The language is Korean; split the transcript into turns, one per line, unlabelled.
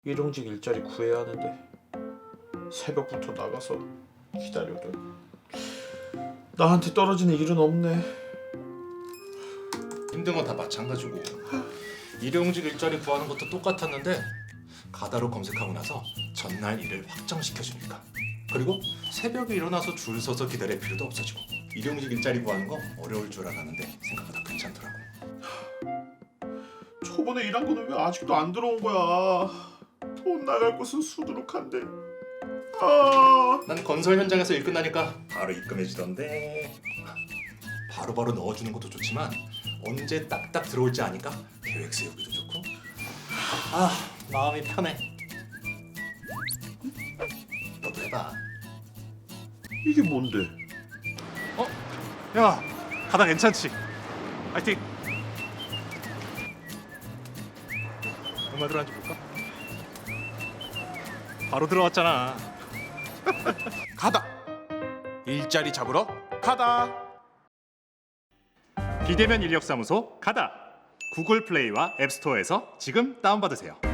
일용직 일자리 구해야 하는데 새벽부터 나가서 기다려도 나한테 떨어지는 일은 없네.
힘든 건 다 마찬가지고 일용직 일자리 구하는 것도 똑같았는데 가다로 검색하고 나서 전날 일을 확정시켜주니까, 그리고 새벽에 일어나서 줄 서서 기다릴 필요도 없어지고 일용직 일자리 구하는 거 어려울 줄 알았는데 생각보다 괜찮더라고.
저번에 일한 거는 왜 아직도 안 들어온 거야? 돈 나갈 곳은 수두룩한데.
난 건설 현장에서 일 끝나니까 바로 입금해주던데. 바로바로 넣어주는 것도 좋지만 언제 딱딱 들어올지 아니까 계획 세우기도 좋고. 마음이 편해. 너도 해봐.
이게 뭔데?
야, 가다 괜찮지? 파이팅. 얼마 들어간지 볼까? 바로 들어왔잖아.
가다. 일자리 잡으러 가다.
비대면 인력사무소 가다. 구글 플레이와 앱스토어에서 지금 다운받으세요.